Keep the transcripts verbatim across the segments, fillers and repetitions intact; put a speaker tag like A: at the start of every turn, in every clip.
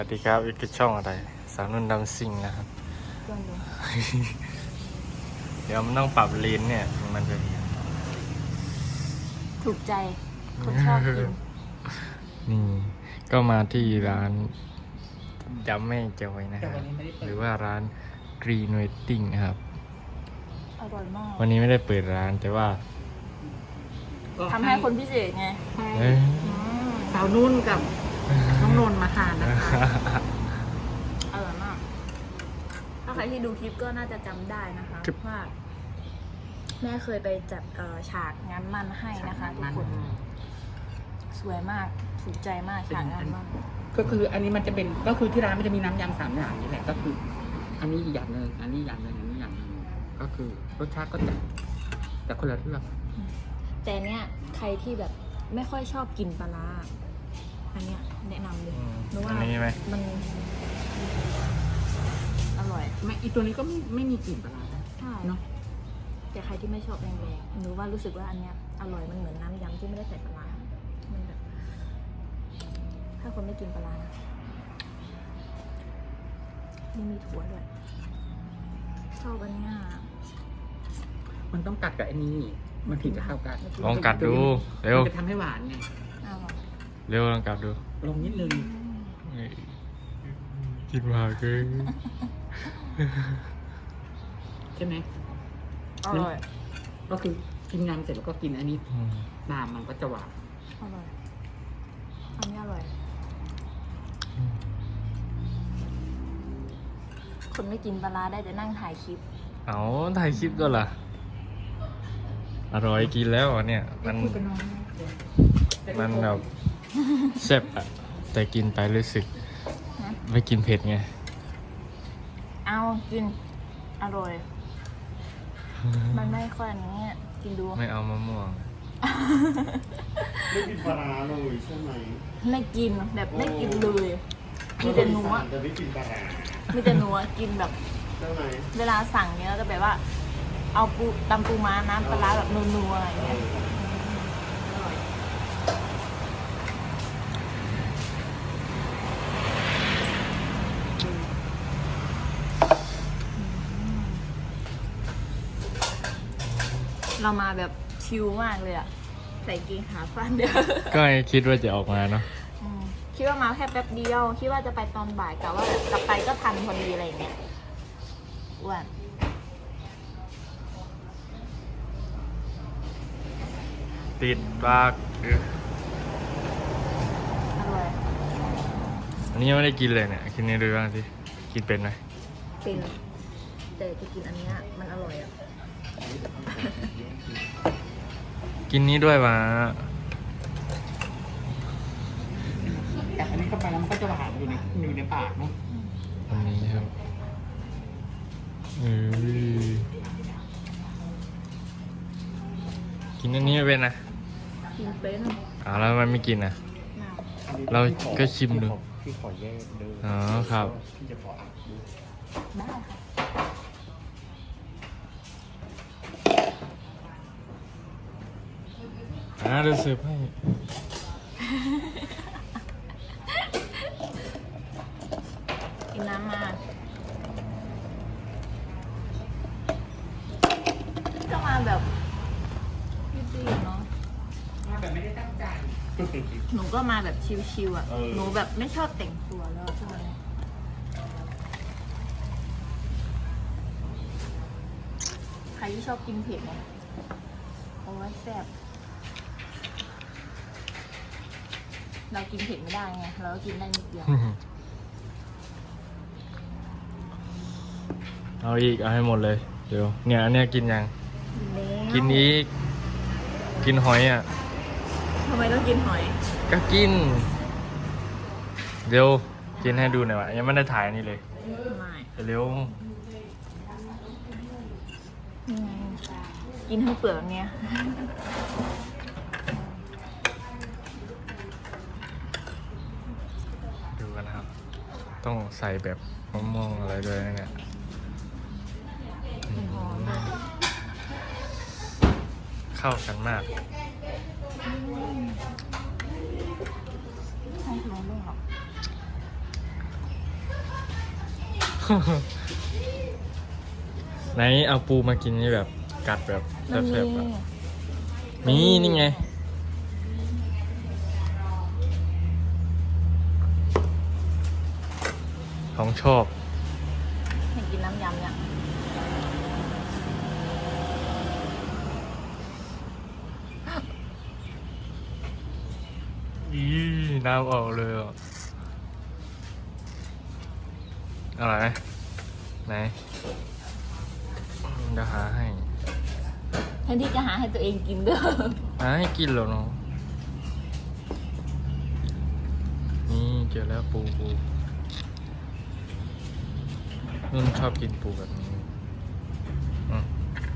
A: สวัสดีครับอีกช่องอะไรสาวนุ่นดำซิงนะครับ เดี๋ยวมันต้องปรับลิ้นเนี่ยมันจะ
B: ถูกใจคนชอบกิน
A: นี่ก็มาที่ร้านยำแม่จอยนะครับหรือว่าร้าน Green Wedding นะครับ
B: อร่อยมาก
A: วันนี้ไม่ได้เปิดร้านแต่ว่า
B: ทำให้คนพิเศษไง
A: เอ้ย
C: สาวนุ่นกับน้องนนท์มาทานนะคะ
B: อร่อยมาก ถ้าใครที่ดูคลิปก็น่าจะจำได้นะคะว่าแม่เคยไปจัดเอ่อฉากงานมั่นให้นะคะทุกคนสวยมากถูกใจมากฉากงานมั่น
C: ก็คืออันนี้มันจะเป็นก็คือที่ร้านมันจะมีน้ำยำสามอย่างนี่แหละก็คือ อันนี้อีกอย่างหนึ่งอันนี้อย่างหนึ่งอันนี้อย่างหนึ่งก็คือรสชาติก็จะแต่คนละเรื่อง
B: แต่เนี้ยใครที่แบบไม่ค่อยชอบกินปลาร้าอันเนี้ยแนะนำเลย
A: อืม
B: เพราะว่า
A: อันนี้ไหม
B: มันอร่อย
C: ไม่อีตัวนี้ก็ไม่ไม่มีกลิ่นปลาร้า
B: ใช่
C: เนาะ
B: แต่ใครที่ไม่ชอบแรงๆหนูว่ารู้สึกว่าอันเนี้ยอร่อยมันเหมือนน้ำยำที่ไม่ได้ใส่ปลาร้ามันแบบ ถ้าคนไม่กินปลาร้านะนี่มีถั่วด้วยชอบอันเนี้ย
C: มันต้องกัดกับไอ้นี่มันถึงจะเข้ากัน
A: ลองกัดดูเร็ว
C: มันจะทำให้หวานไง
B: อ้าวเหรอ
A: เร็วลองกัดดู
C: ลงนิดนึง
A: เฮ้ยกินมากเลย
C: ใช่ไหม
B: อร่อย
C: ก็คือกินยำเสร็จแล้วก็กินอันนี้
A: อืม
C: น้ำมันก็จะหวาน
B: อร่อยอันนี้อร่อย คนไม่กินปลาร้าได้แต่นั่งถ่ายคลิป
A: เอาถ่ายคลิปก็ล่ะอร่อยกินแล้วอ่ะเนี่ยมัน
C: คุยกับน้องนะ
A: มันแบบแซ่บอะแต่กินไปรู้สึก
B: ฮะ
A: ไม่กินเผ็ดไง
B: เอากิน อร่อย มันไม่ค่อยอันนี้กินดู
A: ไม่เอามะม่วง
D: ไม่กินปลาร้าเลยใช่ไหม
B: ไม่กินแบบไม่กินเลยมีแต่หนัว
D: จะไม่กินปลาร้า
B: มีแต่หนัวกินแบบ
D: ใช่ไหม
B: เวลาสั่งเนี้ยก็จะแบบว่า เอาปูตำปูม้าน้ำปลาร้าแบบนัวๆอะไรอย่างเงี้ยอร่อย เรามาแบบชิลมากเลยอะใส่กางเกงขาสั้นเดียว
A: ก็ไม่คิดว่าจะออกมาเนาะ
B: อืมคิดว่ามาแค่แป๊บเดียว คิดว่าจะไปตอนบ่ายแต่ว่ากลับไปก็ทันพอดีอะไรอย่างเงี้ยอ้วน
A: ติดปากเออ
B: อร่อย
A: อันนี้ยังไม่ได้กินเลยเนี่ยกินนี่ดูบ้างสิกินเป็นไหม
B: เป็นแต่จะกินอันเนี้ยมันอร่อยอะ
A: กินนี้ด้วยวะ
C: กัดอันนี้เข้าไปแล้วมันก็จะหวานอยู่ในอยู่ในปากเนาะ
A: อันนี้ครับเอ้ยกินอันนี้ไม่เป็นนะ
B: กินเป็น
A: อ้าวแล้วทำไมันไม่กินอ่ะ
B: น้
A: เราก็ชิมดู
D: พี่ขอแยกเด้อ
A: อ๋อครับ
D: พี่จะขออัดดู
B: ำได้ค่ะ
A: อ่าเดี๋ยวเสิร์ฟให้
B: กินน้ำมาก็มาแบบรีบๆเนาะ
C: มาแบบไม่ได้ตั้งใจ
B: หนูก็มาแบบชิวๆอ่ะ หนูแบบไม่ชอบแต่งตัวแล้วช่วงนี้ใครที่ชอบกินเผ็ดเนี่ยโอ้ยแซ่บเรากินเผ็ดไม่ได้ไง เราก็กินได้นิดเดียว
A: เอาอีกเอาให้หมดเลยเดี๋ยวเนี่ยอันเนี้ยกินยัง
B: แล้ว
A: กินอีกกินหอยอ่ะ
B: ทำไมต้องกินหอย
A: ก็กิน เดี๋ยวกินให้ดูหน่อยวะยังไม่ได้ถ่ายอันนี่เลย
B: ไม่
A: เร็ว
B: นี่ไงกินทั้งเปลือกแบบเนี้ย
A: ดูกันนะครับ ต้องใส่แบบมะม่วงอะไรด้วยนะเนี่ย
B: หอมเลย
A: เข้ากันมาก
B: ให้ร้อนด้วยหรอ
A: ไหนเอาปูมากินนี่แบบกัดแบบ
B: มัน
A: แซ่บๆ
B: มี
A: อะมีนี่ไง ของชอบ
B: เห็นกินน้ำยำเนี่ย
A: อีน้ำออกเลยอ่ะอะไรไหมไหนเดี๋ยวหาให้
B: แทนที่จะหาให้ตัวเองกินเด้อ
A: หาให้กินเหรอน้องนี่เจอแล้วปูปูนุ่นชอบกินปูแบบนี้อืม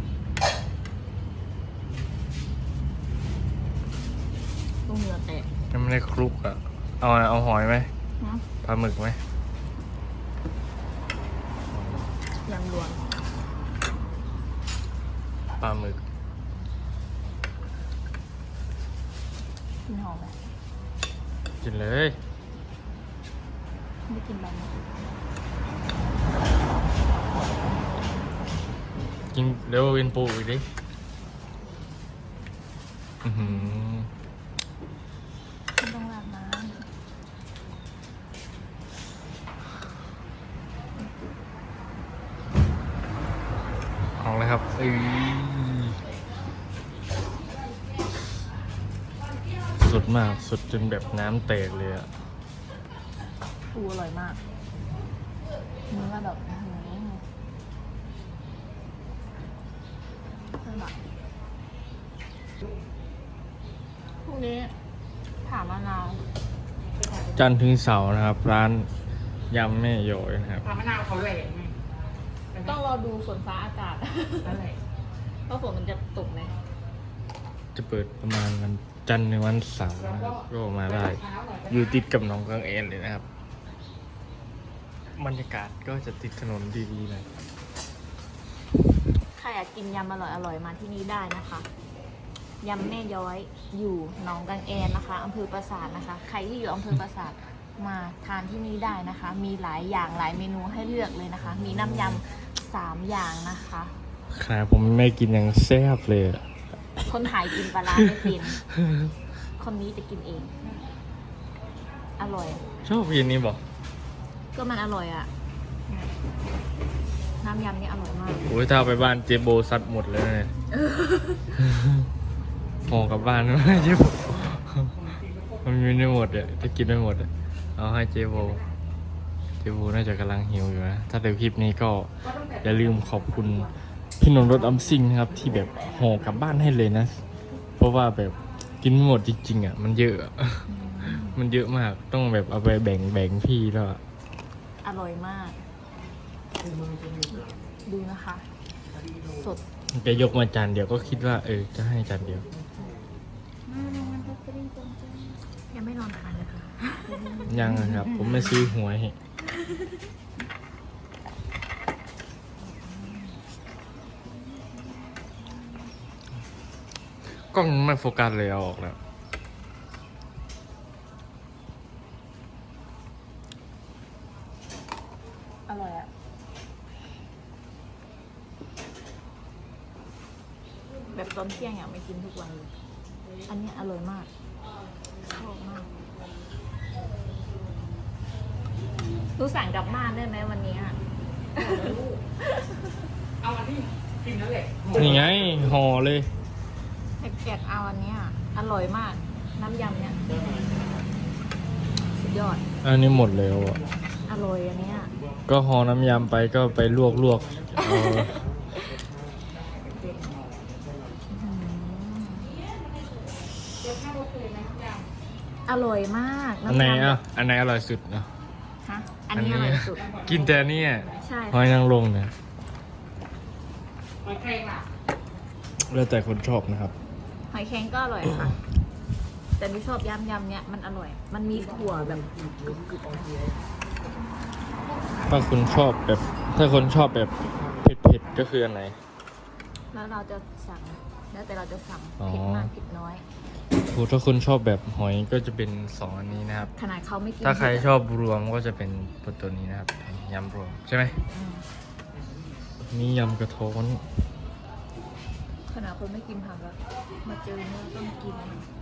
B: ลูกเหงื่อแตก
A: ยังไม่ได้คลุกอ่ะ เอาอะไรเอาหอยไหม
B: นะ
A: ปลาหมึกไหม
B: ยำรวม
A: ปลาหมึก
B: กินหอมไหม
A: กินเลย
B: ไม่กินใบมะกรูด
A: กินเร็วกินปูอีกดิอื้อหือ
B: ไม่ต้องราดน้
A: เอาเลยครับเอ้ยสุดมากสุดจนแบบน้ำแตกเลยอ่ะ
B: ำปูอร่อยมากเนื้อแบบอื้อหือเพิ่มแบบพรุ่งนี้ผ่ามะนาว
A: จันทร์ถึงเสาร์นะครับ ร้านยำแม่โยยนะครับ
C: ปลามะนาวเขาแหลกไง
B: ต้องรอดูฝนฟ้าอากาศ
C: นั่นแหละ
B: ว่าฝนมันจะตกไหม
A: จะเปิดประมาณวันจันทร์ในวันเสาร์นะครับก็มาได้ อยู่ติดกับหนองกังเอนเลยนะครับ บรรยากาศก็จะติดถนนดีๆเลย
B: ใครอยากกินยำอร่อยๆมาที่นี่ได้นะคะ ยำแม่ย้อยอยู่หนองกังแอนนะคะอำเภอปราสาทนะคะ ใครที่อยู่อำเภอปราสาทมาทานที่นี่ได้นะคะ มีหลายอย่างหลายเมนูให้เลือกเลยนะคะ มีน้ำยำสามอย่างนะคะ
A: ขนาดผมไม่กินยังแซ่บเลยอะ
B: คนถ่ายกินปลาร้าไม่เป็น คนนี้จะกินเอง อร่อย
A: ชอบกินนี่บอก
B: ก็มันอร่อยอะ่ะ น้ำยำนี่อร่อยมาก
A: โอ้ยถ้าเอาไปบ้านเจโบซัดหมดเลยเนี่ย ห่อกลับบ้านไม่เจโบมันมีไม่หมดอ่ะจะกินไม่หมดอ่ะเอาให้เจโบเจโบน่าจะกำลังหิวอยู่นะถ้าแต่คลิปนี้ก็อย่าลืมขอบคุณพี่นนท์รถอัมซิ่งนะครับ ที่แบบห่อกลับบ้านให้เลยนะ เพราะว่าแบบกินไม่หมดจริงๆอ่ะมันเยอะอะ มันเยอะมากต้องแบบเอาไปแบ่งแบ่งพี่แล้วอะ
B: อร่อยมาก ดูนะคะ สด
A: จะยกมาจานเดียวก็คิดว่าเออจะให้จานเดียว
B: ยังไม่นอนทานเลยค่ะ
A: ยังอะครับ ผมไม่ซื้อหวยกล้องมันไม่โฟกัสเลยเอาออกแล้ว
B: อร่อยอะแบบตอนเที่ยงอยากไม่กินทุกวันเลย อันนี้อร่อยมาก ชอบมากรู้สั่งกลับบ้านได้ไหมวันนี้อะ
C: เอาอันที่กินนั่นแหละ
A: นี่ไงห่อเลย
B: แกะเอาอันเนี้ยอร่อยมาก น้ำยำเนี่ยสุดยอด
A: อันนี้หมดแล้วอ่ะ
B: อร่อยอันเนี้ย
A: ก็ห่อน้ำยำไปก็ไปลวกลวกๆเอา
B: อร่อยมาก
A: อันไหน
B: ำ
A: อ่ะอันไหนอร่อยสุดเนาะ
B: ฮะอันนี้อร่อยสุด
A: กินแต่เนี่ย
B: ใช่
A: หอยนางรมเนี่ย
C: หอยแครงล่ะ
A: แล้วแต่คนชอบนะครับ
B: หอยแครงก็อร่อยค่ะ แต่ไม่ชอบยำยำเนี่ยมันอร่อย มันมีถั่วแบบ
A: ถ้าคุณชอบแบบ ถ้าคนชอบแบบเผ็ดๆก็คืออันไหน
B: แล้วเราจะสั่ง แล้วแต่เราจะสั่ง
A: อ๋อ
B: เผ็ดมากเผ็ดน้อย
A: อโหถ้าคุณชอบแบบหอยก็จะเป็นสองอันนี้นะครับ
B: ขนาดเขาไม่กิน
A: ถ้าใครชอบรวมก็จะเป็นตัวนี้นะครับยำรวมใช่ไหม
B: อืม
A: นี่ยำกระท้อน
B: ขนาดคนไม่กินผักแล้วมาเจอเนื้อต้องกิน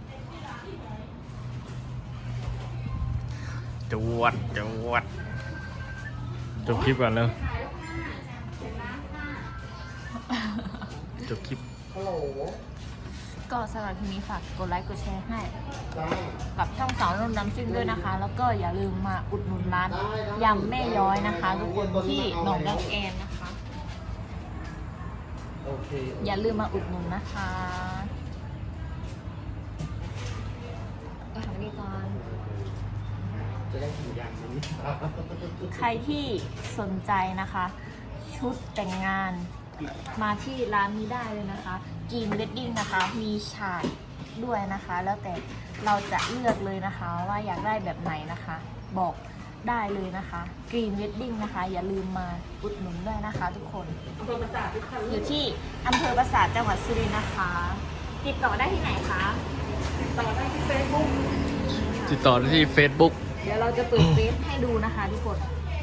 A: จวดจวดจบคลิปก่อนแล้วจบคลิป
D: ฮัลโหล
B: ก็สำหรับทีนี้ฝากกดไลค์กดแชร์ให้
D: จ้า
B: กับช่องสาวนุ่นน้ำซิ่งด้วยนะคะ แล้วก็อย่าลืมมาอุดหนุนร้านยำแม่ย้อยนะคะ ทุกคนที่หนองดังแอนนะคะ
D: โอเค
B: อย่าลืมมาอุดหนุนนะคะก็ทำนี้ก่อน
D: จะได้กินอย่างนี้
B: ใครที่สนใจนะคะ ชุดแต่งงานมาที่ร้านนี้ได้เลยนะคะกีนเวดดิ้งนะคะ มีฉากด้วยนะคะ แล้วแต่เราจะเลือกเลยนะคะ ว่าอยากได้แบบไหนนะคะ บอกได้เลยนะคะกรีนเวดดิ้งนะคะ อย่าลืมมาอุดหนุนด้วยนะคะ ทุกคนอยู่ที่อำเภอปราสาทจังหวัดสุรินทร์นะคะ ติดต่อได้ที่ไหนคะติดต่อได้ที่เฟซบุ๊ก
A: ติดต่อได้ที่ Facebook
B: เดี๋ยวเราจะเปิดเฟซให้ดูนะคะ ทุกคน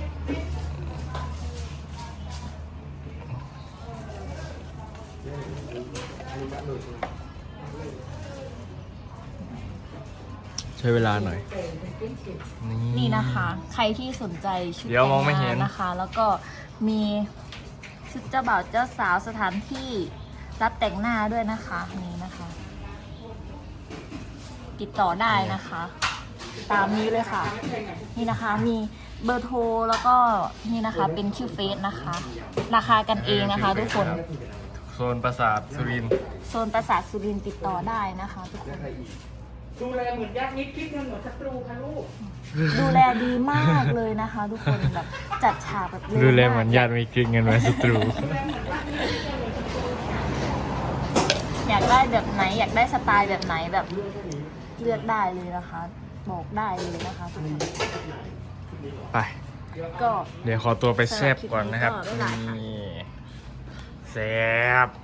A: ใช้เวลาหน่อย
B: นี่นะคะ ใครที่สนใจชุด
A: เดี๋ยวมองไม่เห็น
B: แต่งงานนะคะ แล้วก็มีชุดเจ้าบ่าวเจ้าสาวสถานที่รับแต่งหน้าด้วยนะคะนี่นะคะ ติดต่อได้นะคะ ตามนี้เลยค่ะ นี่นะคะมีเบอร์โทรแล้วก็นี่นะคะเป็นชื่อเฟซนะคะ ราคากันเองนะคะ ทุกคน
A: โซนปราสาทสุรินทร์
B: โซนปราสาทสุรินทร์ติดต่อได้นะคะ ทุกคน
C: ดูแลเหมือนญาติมิตรคิดเงินเหมือนศัตรูค่ะลูก
B: ดูแลดีมากเลยนะคะ ทุกคนแบบจัดฉากแบบเร็ว
A: ดูแล
B: มาก
A: เหมือนญาติมีกลิ่นเงินไว้ศัตรู
B: อยากได้แบบไหนอยากได้สไตล์แบบไหนแบบเลือกได้เลยนะคะ บอกได้เลยนะคะทุกคน
A: ไป
B: ก็
A: เดี๋ยวขอตัวไปแซบก่อนนะครับ
B: สำหรับคลิปนี้ก็บ๊ายบายค่ะ
A: นี่แซบ